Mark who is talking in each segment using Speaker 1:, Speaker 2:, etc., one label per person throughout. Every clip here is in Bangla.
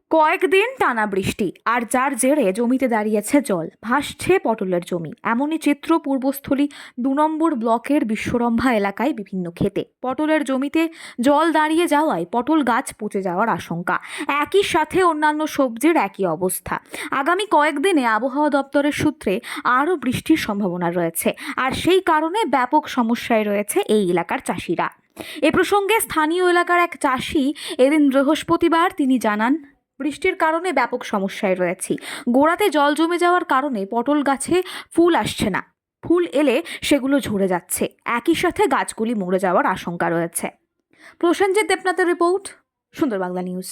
Speaker 1: কয়েকদিন টানা বৃষ্টি আর যার জেরে জমিতে দাঁড়িয়েছে জল, ভাসছে পটলের জমি। এমনই চিত্র পূর্বস্থলী ২ নম্বর ব্লকের বিশ্বরম্ভা এলাকায় বিভিন্ন ক্ষেতে। পটলের জমিতে জল দাঁড়িয়ে যাওয়ায় পটল গাছ পচে যাওয়ার আশঙ্কা। একই সাথে অন্যান্য সবজির একই অবস্থা। আগামী কয়েকদিনে আবহাওয়া দপ্তরের সূত্রে আরও বৃষ্টির সম্ভাবনা রয়েছে, আর সেই কারণে ব্যাপক সমস্যায় রয়েছে এই এলাকার চাষিরা। এ প্রসঙ্গে স্থানীয় এলাকার এক চাষি এদিন বৃহস্পতিবার তিনি জানান, বৃষ্টির কারণে ব্যাপক সমস্যায় রয়েছি। গোড়াতে জল জমে যাওয়ার কারণে পটল গাছে ফুল আসছে না, ফুল এলে সেগুলো ঝরে যাচ্ছে। একই সাথে গাছগুলি মরে যাওয়ার আশঙ্কা রয়েছে। প্রসেনজিৎ দেবনাথের রিপোর্ট, সুন্দর বাংলা নিউজ।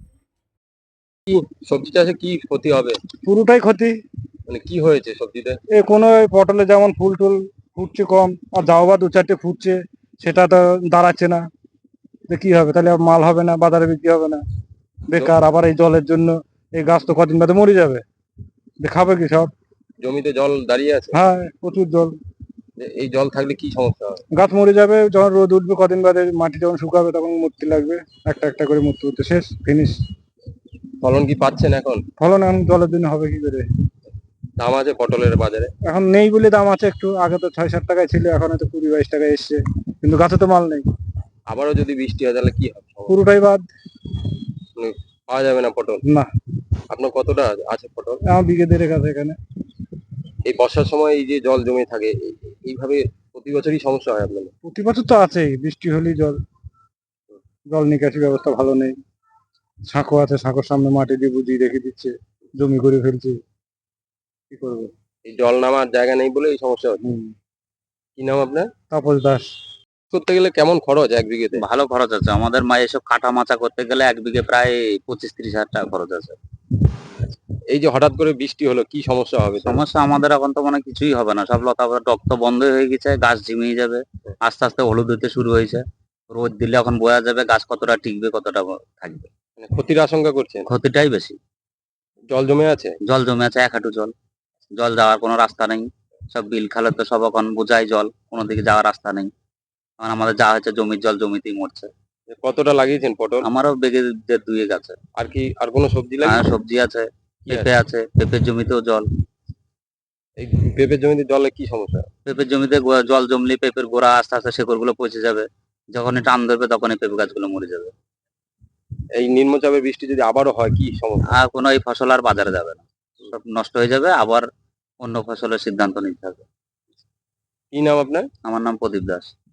Speaker 2: কি সবজি চাষে কি ক্ষতি হবে?
Speaker 3: পুরোটাই ক্ষতি।
Speaker 2: মানে কি হয়েছে সবজিতে?
Speaker 3: কোনো ওই পটলে যেমন ফুল টুল ফুটছে কম, আর যাও বা 2-4টে ফুটছে, সেটা তো দাঁড়াচ্ছে না। তো কি হবে, তাহলে আর মাল হবে না, বাজারে বিক্রি হবে না, বেকার। আবার এই জলের জন্য এই গাছ তো কদিন বাদে মরে যাবে, খাবে কি সব?
Speaker 2: জমিতে জল দাঁড়িয়ে আছে?
Speaker 3: হ্যাঁ, প্রচুর জল।
Speaker 2: এই জল থাকলে কি সমস্যা হবে?
Speaker 3: গাছ মরে যাবে, যখন রোদ উঠবে কদিন বাদে, মাটি যখন শুকাবে তখন মরতে লাগবে, একটা একটা করে মরতে মরতে শেষ, ফিনিশ।
Speaker 2: ফলন কি পাচ্ছেন এখন?
Speaker 3: ফলন এখন জলের জন্য হবে কি করে?
Speaker 2: দাম আছে পটলের বাজারে?
Speaker 3: এখন নেই বলে দাম আছে একটু, আগে তো 6-7 টাকায় ছিল, এখন হয়তো 20-22 টাকায় এসছে, কিন্তু গাছে তো মাল নেই।
Speaker 2: আবারও যদি বৃষ্টি হয় তাহলে কি হবে?
Speaker 3: পুরোটাই বাদ।
Speaker 2: মানে পাওয়া যাবে না পটল?
Speaker 3: না,
Speaker 2: আপনার কতটা আছে পটল?
Speaker 3: আমার বিঘে 1.5 আছে এখানে।
Speaker 2: এই বর্ষার সময় এই যে জল জমে থাকে, এইভাবে প্রতি বছরই সমস্যা হয় আপনাদের?
Speaker 3: প্রতি বছর তো আছেই, বৃষ্টি হলেই জল। জল নিকাশি ব্যবস্থা ভালো নেই। সাঁকো আছে, সাঁকোর সামনে মাটি দিয়ে বুঝিয়ে রেখে দিচ্ছে, জমি করে ফেলছে, কি করবো?
Speaker 2: এই জল নামার জায়গা নেই বলে এই সমস্যা হচ্ছে। কি নাম আপনার?
Speaker 3: তাপস দাস।
Speaker 2: করতে গেলে কেমন খরচ এক বিঘেতে?
Speaker 4: ভালো খরচ আছে আমাদের। এসব কাটা মাচা করতে গেলে 1 বিঘে প্রায় 25-30 হাজার টাকা খরচ আছে।
Speaker 2: এই যে হঠাৎ করে বৃষ্টি হলো, কি সমস্যা হবে তাহলে?
Speaker 4: সমস্যা আমাদের এখন তো মানে কিছুই হবে না, সব লতা পাতা টক তো বন্ধ হয়ে গেছে, গাছ ঝিমিয়ে যাবে, আস্তে আস্তে হলুদ হতে শুরু হয়েছে। রোদ দিলে এখন বোঝা যাবে গাছ কতটা টিকবে, কতটা থাকবে।
Speaker 2: মানে ক্ষতির আশঙ্কা করছেন?
Speaker 4: ক্ষতিটাই বেশি।
Speaker 2: জল জমে আছে?
Speaker 4: জল জমে আছে 1 হাঁটু জল। জল যাওয়ার কোনো রাস্তা নেই। সব বিল খালে তো সব এখন বোঝাই জল, কোনো দিকে যাওয়ার রাস্তা নেই। এখন আমাদের যা হচ্ছে জমির জল জমিতেই মরছে।
Speaker 2: কতটা লাগিয়েছেন পটল?
Speaker 4: আমারও বেগে 1.5 আছে।
Speaker 2: আর কি আর কোনো সবজি
Speaker 4: আর
Speaker 2: লাগিয়েছেন?
Speaker 4: সবজি আছে,
Speaker 2: কি
Speaker 4: পেঁপে আছে, পেঁপের জমিতেও জল।
Speaker 2: এই পেঁপের জমিতে জলে কি সমস্যা?
Speaker 4: পেঁপের জমিতে জল জমলে পেঁপের গোড়া আস্তে আস্তে শেকড় গুলো পচে যাবে, যখনই টান ধরবে তখনই পেঁপে গাছগুলো মরে যাবে।
Speaker 2: এই নিম্নচাপের বৃষ্টি যদি আবারও হয় কি সমস্যা?
Speaker 4: আর কোনো এই ফসল আর বাজারে যাবে না, সব নষ্ট হয়ে যাবে, আবার অন্য ফসলের সিদ্ধান্ত নিতে হবে।
Speaker 2: কি নাম আপনার?
Speaker 4: আমার নাম প্রদীপ দাস।